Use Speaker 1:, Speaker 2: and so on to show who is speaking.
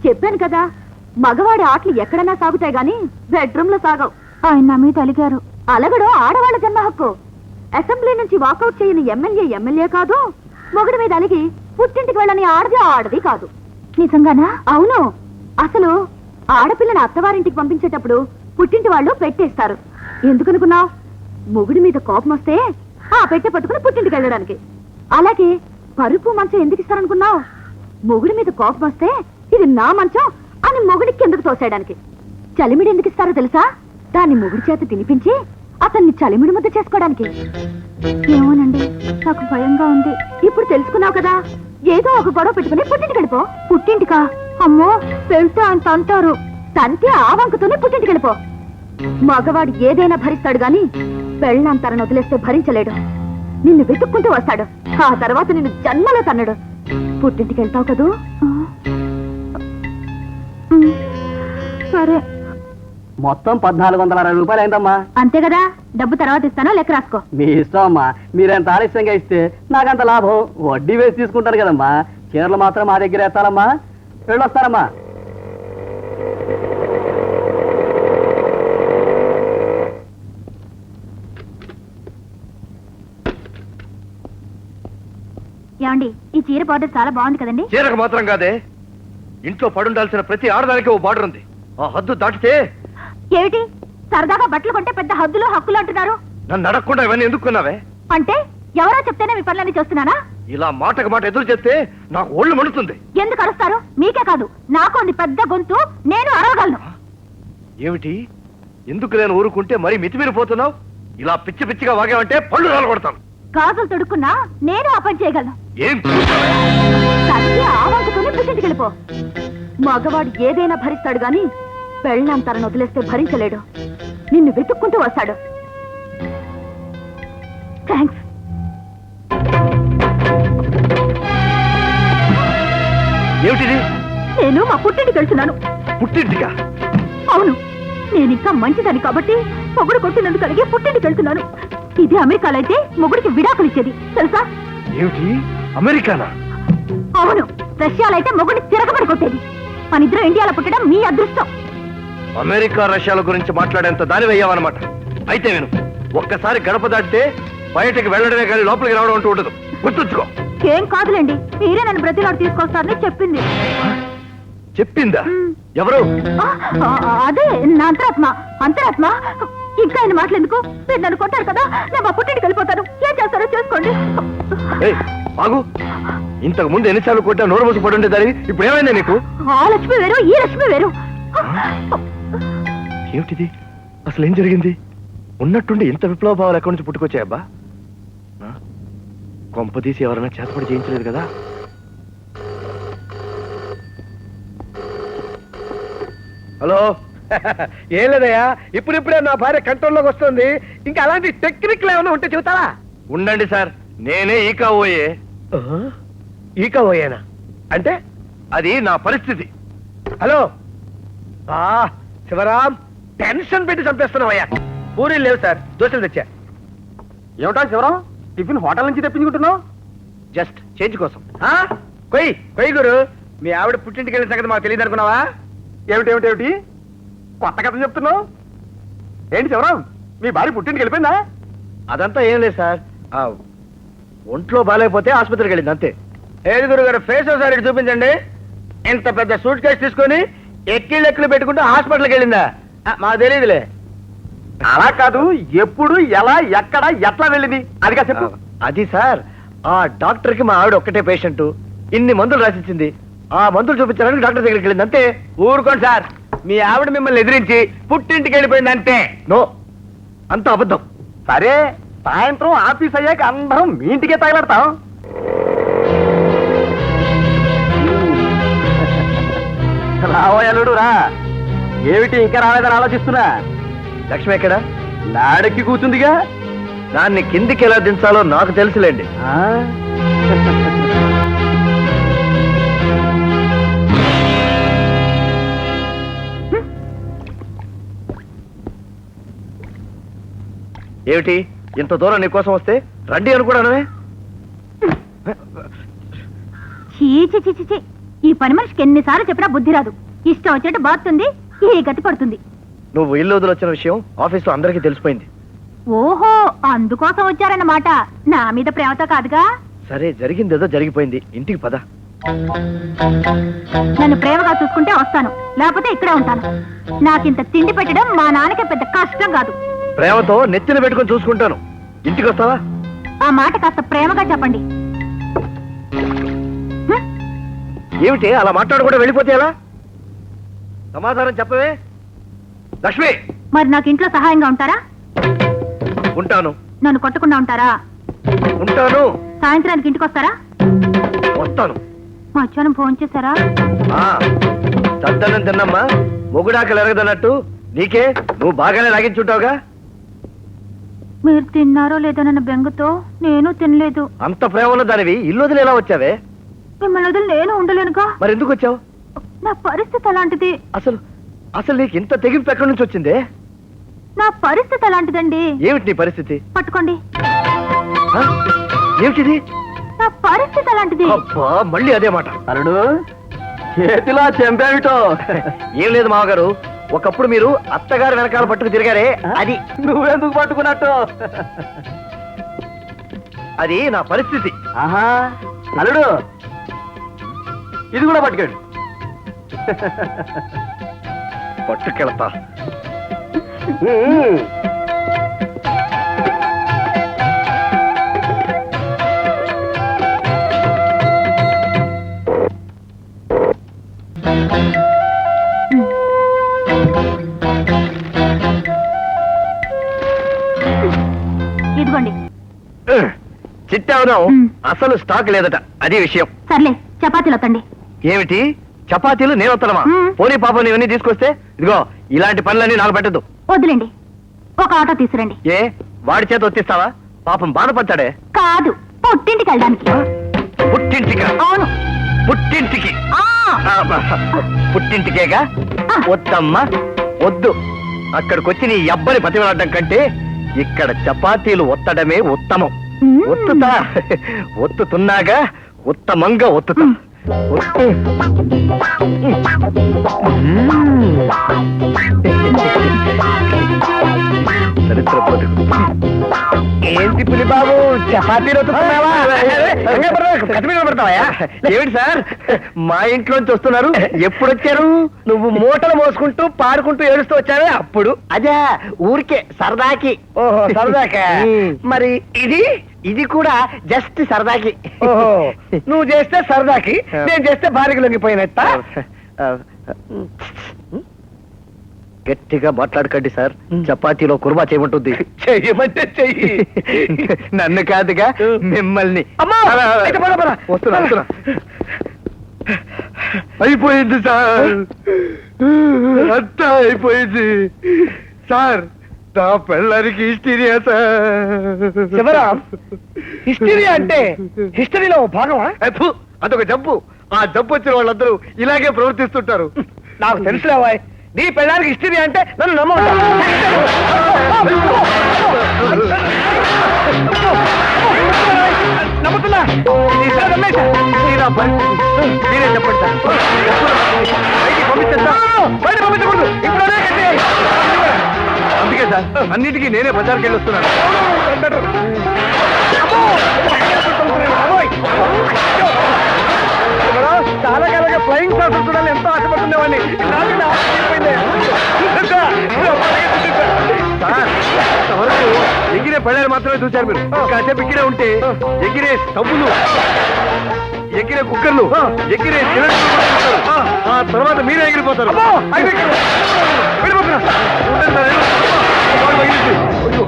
Speaker 1: చెప్పాను కదా, మగవాడి ఆటలు ఎక్కడన్నా సాగుతాయి గాని బెడ్రూమ్ లో సాగవు. ఆయన నా మీద అలిగారు. అలగడం ఆడవాళ్ళ జన్మ హక్కు. అసెంబ్లీ నుంచి వాకౌట్ చేయని ఎమ్మెల్యే కాదు. మొగుడి మీద అలిగి పుట్టింటికి వెళ్ళని ఆడది కాదు. నిజంగానా? అవును. అసలు ఆడపిల్లని అత్తవారింటికి పంపించేటప్పుడు పుట్టింటి వాళ్ళు పెట్టేస్తారు. ఎందుకనుకున్నావు? మొగుడి మీద కోపం వస్తే ఆ పెట్టె పట్టుకుని పుట్టింటికి వెళ్ళడానికి. అలాగే పరుపు మంచం ఎందుకు ఇస్తారనుకున్నావు? మొగుడి మీద కోపం వస్తే ఇది నా మంచం అని మొగుడికి ఎందుకు తోసేయడానికి. చలిమిడి ఎందుకు ఇస్తారో తెలుసా? దాన్ని మొగుడి చేత తినిపించి అతన్ని చలిమిడి ముద్ద చేసుకోవడానికి. ఏమోనండి, నాకు భయంగా ఉంది. ఇప్పుడు తెలుసుకున్నావు కదా, ఏదో ఒక గొడవ పెట్టుకుని పుట్టింటికి వెళ్ళిపో. పుట్టింటికా? అమ్మో, వెళ్తే ఆయన తంటారు. తంతే ఆ వంకతోనే పుట్టింటికి వెళ్ళిపో. మగవాడు ఏదైనా భరిస్తాడు గాని పెళ్ళంతరను వదిలేస్తే భరించలేడు. నిన్ను వెతుక్కుంటూ వస్తాడు. ఆ తర్వాత నిన్ను జన్మలో తన్నడు. పుట్టింటికి వెళ్తావు కదూ? సరే.
Speaker 2: మొత్తం 1460 రూపాయలు అయిందమ్మా.
Speaker 1: అంతే కదా, డబ్బు తర్వాత ఇస్తానో లెక్క రాసుకో.
Speaker 2: మీ ఇష్టం అమ్మా. మీరెంత ఆలస్యంగా ఇస్తే నాకంత లాభం. వడ్డీ వేసి తీసుకుంటారు కదమ్మా. చీరలు మాత్రం మా దగ్గర వేస్తారమ్మా. వెళ్ళొస్తారమ్మా.
Speaker 1: ఏమండి, ఈ చీర బార్డర్ చాలా బాగుంది కదండి?
Speaker 3: చీరకు మాత్రం కాదే, ఇంట్లో పడుండాల్సిన ప్రతి ఆడదానికి ఓ బార్డర్ ఉంది. ఆ హద్దు దాటితే
Speaker 1: ఏమిటి సరదాగా బట్టలు కొంటే పెద్ద హద్దులు హక్కులు అంటున్నారు?
Speaker 3: నన్ను అడగకుండా ఇవన్నీ ఎందుకున్నావే?
Speaker 1: అంటే ఎవరో చెప్తేనే మీ పనులన్నీ చేస్తున్నానా?
Speaker 3: ఇలా మాటకు మాట ఎదురు చెప్తే నాకు ఒళ్ళు మండుతుంది.
Speaker 1: ఎందుకు అరుస్తారు? మీకే కాదు, నాకు ఉంది పెద్ద గొంతు, నేను అరవగలను.
Speaker 3: ఏమిటి, ఎందుకు నేను ఊరుకుంటే మరీ మితిమీరిపోతున్నావు? ఇలా పిచ్చి పిచ్చిగా వాగావంటే పళ్ళు రాలగొడతాను.
Speaker 1: గాజులు తొడుక్కున్నా నేను ఆ పని చేయగలను.
Speaker 3: ఏం
Speaker 1: తల్లి ఆవంకుతోనే పుట్టింటికి వెళ్ళిపో. మగవాడు ఏదైనా భరిస్తాడు గాని పెళ్ళంతరను వదిలేస్తే భరించలేడు. నిన్ను వెతుక్కుంటూ వస్తాడు. థ్యాంక్స్.
Speaker 3: ఏమిటిది?
Speaker 1: నేను మా పుట్టింటికి వెళ్తున్నాను.
Speaker 3: పుట్టింటిగా?
Speaker 1: అవును, నేను ఇంకా మంచిదని కాబట్టి మొగుడు కొట్టినందుకు కలిగి పుట్టింటికి వెళ్తున్నాను. ఇది అమెరికాలో అయితే మొగుడికి విడాకులు ఇచ్చేది తెలుసా?
Speaker 3: ఏమిటి, అమెరికానా?
Speaker 1: అవును, రష్యాలో అయితే మొగుడిని తిరగబడి కొట్టేది. మన ఇద్దరు ఇండియాలో పుట్టడం మీ అదృష్టం.
Speaker 3: అమెరికా రష్యాల గురించి మాట్లాడేంత దాని వెయ్యావన్నమాట. అయితే విను, ఒక్కసారి గడప దాటితే బయటకు వెళ్ళడమే కానీ లోపలికి రావడం అంటూ ఉండదు. గుర్తుంచుకో.
Speaker 1: ఏం కాదులేండి, మీరే నన్ను బ్రతిలాడు తీసుకొస్తారని చెప్పింది.
Speaker 3: చెప్పిందా? ఎవరు?
Speaker 1: అదే నా అంతరాత్మ. ఇంకా ఆయన మాట్లాడేందుకు? మీరు నన్ను కొట్టారు కదా, నేను మా పుట్టింటికి వెళ్ళిపోతాను. ఏం చేస్తారో చేసుకోండి.
Speaker 3: బాగు, ఇంతకు ముందు ఎన్నిసార్లు కొట్టా నోరు మూసి పడి ఉండేదాన్ని. ఇప్పుడు ఏమైందా నీకు?
Speaker 1: ఆ లక్ష్మి వేరు, ఈ లక్ష్మి వేరు.
Speaker 3: ఏమిటిది? అసలు ఏం జరిగింది? ఉన్నట్టుండి ఇంత విప్లవ భావాలు ఎక్కడి నుంచి పుట్టుకొచ్చాయబ్బా? కొంపదీసి ఎవరైనా చేతపడి చేయించలేదు కదా? హలో. ఏం లేదయ్యా, ఇప్పుడిప్పుడే నా భార్య కంట్రోల్లోకి వస్తుంది. ఇంకా అలాంటి టెక్నిక్లు ఏమైనా ఉంటే చెబుతారా? ఉండండి సార్, నేనే ఈకావోయే. ఈకావోయేనా అంటే? అది నా పరిస్థితి. హలో శివరాం, టెన్షన్ పెట్టి చంపేస్తున్నావయ్యా. పూరీలు లేవు సార్, దోశలు తెచ్చా.
Speaker 2: ఏమిటా శివరాం, టిఫిన్ హోటల్ నుంచి తెప్పించుకుంటున్నావు?
Speaker 3: జస్ట్ చేంజ్ కోసం. కొయ్యి గురు, మీ ఆవిడ పుట్టింటికి వెళ్ళిన సంగతి మాకు తెలియదు అనుకున్నావా?
Speaker 2: ఏమిటి కొత్త కథ చెప్తున్నావు? ఏంటి శివరాం, మీ భార్య పుట్టింటికి వెళ్ళిపోయిందా?
Speaker 3: అదంతా ఏం లేదు సార్, ఒంట్లో బాగాలేకపోతే ఆసుపత్రికి వెళ్ళింది అంతే. ఏది గురుగారు, ఫేస్ ఒకసారి చూపించండి. ఇంత పెద్ద సూట్ కేసు తీసుకొని ఎక్కిళ్ళు పెట్టుకుంటూ హాస్పిటల్కి వెళ్ళిందా? మాకు తెలియదులే.
Speaker 2: అలా కాదు, ఎప్పుడు, ఎలా, ఎక్కడ, ఎట్లా వెళ్ళింది అదిగా చెప్పు.
Speaker 3: అది సార్, ఆ డాక్టర్ కి మా ఆవిడ ఒక్కటే పేషెంట్, ఇన్ని మందులు రాసిచ్చింది. ఆ మందులు చూపించడానికి డాక్టర్ దగ్గరికి వెళ్ళింది అంతే. ఊరుకోండి సార్, మీ ఆవిడ మిమ్మల్ని ఎదిరించి పుట్టింటికి వెళ్ళిపోయింది అంతే. నో, అంత అబద్ధం.
Speaker 2: సరే, సాయంత్రం ఆఫీస్ అయ్యాక అందరం మీ ఇంటికే తగలడతాం. రావోయలుడు రా. ఏమిటి ఇంకా రాలేదని ఆలోచిస్తున్నా?
Speaker 3: లక్ష్మి ఎక్కడ?
Speaker 2: నాడెక్కి కూర్చుందిగా.
Speaker 3: దాన్ని కిందికి ఎలా దించాలో నాకు తెలుసులేండి. ఏమిటి, ఇంత దూరం నీకోసం వస్తే రండి అనుకోవడమే?
Speaker 1: ఈ పని మనిషికి ఎన్నిసార్లు చెప్పినా బుద్ధి రాదు. ఇష్టం వచ్చినట్టు బాగుతుంది, ఈ గతి పడుతుంది.
Speaker 3: నువ్వు ఇల్లు వదిలొచ్చిన విషయం ఆఫీస్లో అందరికీ తెలిసిపోయింది.
Speaker 1: ఓహో, అందుకోసం వచ్చారన్నమాట. నా మీద ప్రేమతో కాదుగా.
Speaker 3: సరే, జరిగిందేదో జరిగిపోయింది, ఇంటికి పద.
Speaker 1: నన్ను ప్రేమగా చూసుకుంటే వస్తాను, లేకపోతే ఇక్కడే ఉంటాను. నాకింత తిండి పెట్టడం మా నాన్నకి పెద్ద కష్టం కాదు.
Speaker 3: ప్రేమతో నెత్తిన పెట్టుకొని చూసుకుంటాను. ఇంటికి వస్తావా?
Speaker 1: ఆ మాట కాస్త ప్రేమగా చెప్పండి.
Speaker 3: ఏమిటి అలా మాట్లాడకుండా వెళ్ళిపోతే ఎలా? సమాధానం చెప్పవే లక్ష్మి.
Speaker 1: మరి నాకు ఇంట్లో సహాయంగా ఉంటారా?
Speaker 3: ఉంటాను.
Speaker 1: నన్ను కొట్టకుండా ఉంటారా?
Speaker 3: ఉంటాను.
Speaker 1: సాయంత్రానికి ఇంటికి వస్తారా?
Speaker 3: వస్తాను.
Speaker 1: మధ్యాహ్నం ఫోన్ చేశారా?
Speaker 3: చద్దనం తిన్నమ్మా, మొగుడాకలు ఎరగదన్నట్టు నీకే నువ్వు బాగానే లాగించుంటావుగా.
Speaker 1: మీరు తిన్నారో లేదో నన్న బెంగతో నేను తినలేదు.
Speaker 3: అంత ప్రేమలో దానివి ఇల్లు వదిలి ఎలా వచ్చావే?
Speaker 1: మిమ్మల్ని వదిలి నేను ఉండలేనుగా.
Speaker 3: మరి ఎందుకు వచ్చావు?
Speaker 1: నా పరిస్థితి అలాంటిది.
Speaker 3: అసలు నీకు ఇంత తెగింపు ఎక్కడి నుంచి వచ్చిందే?
Speaker 1: నా పరిస్థితి అలాంటిదండి.
Speaker 3: ఏమిటి నీ పరిస్థితి?
Speaker 1: పట్టుకోండి.
Speaker 3: ఏమిటిది?
Speaker 1: నా పరిస్థితి అలాంటిది.
Speaker 3: అబ్బా, మళ్ళీ అదే మాట.
Speaker 2: అరుడు, చేతిలో చెంపేమిటో?
Speaker 3: ఏం లేదు మామగారు, ఒకప్పుడు మీరు అత్తగారు వెనకాల పట్టుకు తిరిగారే, అది.
Speaker 2: నువ్వెందుకు పట్టుకున్నట్టు?
Speaker 3: అది నా పరిస్థితి.
Speaker 2: ఆహా, అల్లుడు, ఇది కూడా పట్టుకోండి.
Speaker 3: పట్టుకెళతా.
Speaker 1: ఇదిగోండి.
Speaker 3: చిట్టావుదాం, అసలు స్టాక్ లేదట, అది విషయం.
Speaker 1: సర్లే, చపాతీలు వత్తండి.
Speaker 3: ఏమిటి చపాతీలు? నేను వస్తానమా? పోనీ పాపం ఇవన్నీ తీసుకొస్తే ఇదిగో ఇలాంటి పనులన్నీ నాకు పెట్టద్దు.
Speaker 1: వద్దులేండి, ఒక ఆటో తీసురండి.
Speaker 3: ఏ, వాడి చేత వచ్చేస్తావా? పాపం బాధపడతాడే.
Speaker 1: కాదు, పుట్టింటికి వెళ్ళడానికి.
Speaker 3: పుట్టింటికి?
Speaker 1: అవును.
Speaker 3: పుట్టింటికి? పుట్టింటికేగా. వద్దమ్మా, వద్దు. అక్కడికొచ్చి నీ అబ్బని బతిమలాడడం కంటే ఇక్కడ చపాతీలు ఒత్తడమే ఉత్తమం. ఒత్తుతా, ఒత్తుతున్నాగా, ఉత్తమంగా ఒత్తుతా. చరిత్ర బతుకు. ఏంటి పులి బాబు, చపాతీలు ఒత్తుతున్నావా? ఏమిటి సార్, మా ఇంట్లోంచి వస్తున్నారు? ఎప్పుడు వచ్చారు? నువ్వు మూటలు మోసుకుంటూ పాడుకుంటూ ఏడుస్తూ వచ్చావే అప్పుడు? అదే, ఊరికే సరదాకి. ఓహో, సరదాకా. మరి ఇది కూడా జస్ట్ సరదాకి. ఓహో, నువ్వు చేస్తే సరదాకి, నేను చేస్తే భార్యకు లొంగిపోయినట్ట. గట్టిగా మాట్లాడకండి సార్, చపాతీలో కుర్మా చేయమంటుంది. చెయ్యమంటే చెయ్యి. నన్ను కాదుగా, మిమ్మల్ని. వస్తున్నా. అయిపోయింది సార్, అంతా అయిపోయింది సార్. నా పెళ్ళానికి హిస్టీరియా సార్. హిస్టీరియా అంటే హిస్టరీలో భాగమా? అదొక జబ్బు. ఆ జబ్బు వచ్చిన వాళ్ళందరూ ఇలాగే ప్రవర్తిస్తుంటారు. నాకు తెలుసులేవా, నీ పెళ్ళానికి హిస్టరీ అంటే నన్ను నమ్మవుతా. నమ్ముతున్నా. మీరే చెప్పండి సార్. బయట పంపించకూడదు, ఇప్పుడు అందుకే సార్ అన్నిటికీ నేనే బజార్కి వెళ్ళి వస్తున్నాను. చాలా కాలంగా ఫ్లయింగ్ సార్ చూడాలి ఎంతో ఆశపడుతుండేవాడిని. ఎగిరే పళ్ళారు మాత్రమే చూశారు మీరు. కాసేపు ఎగిరే ఉంటే ఎగిరే స్టవ్వులు, ఎగిరే కుక్కర్లు, ఎగిరే సిలిండర్లు, ఆ తర్వాత మీరే ఎగిరిపోతారు.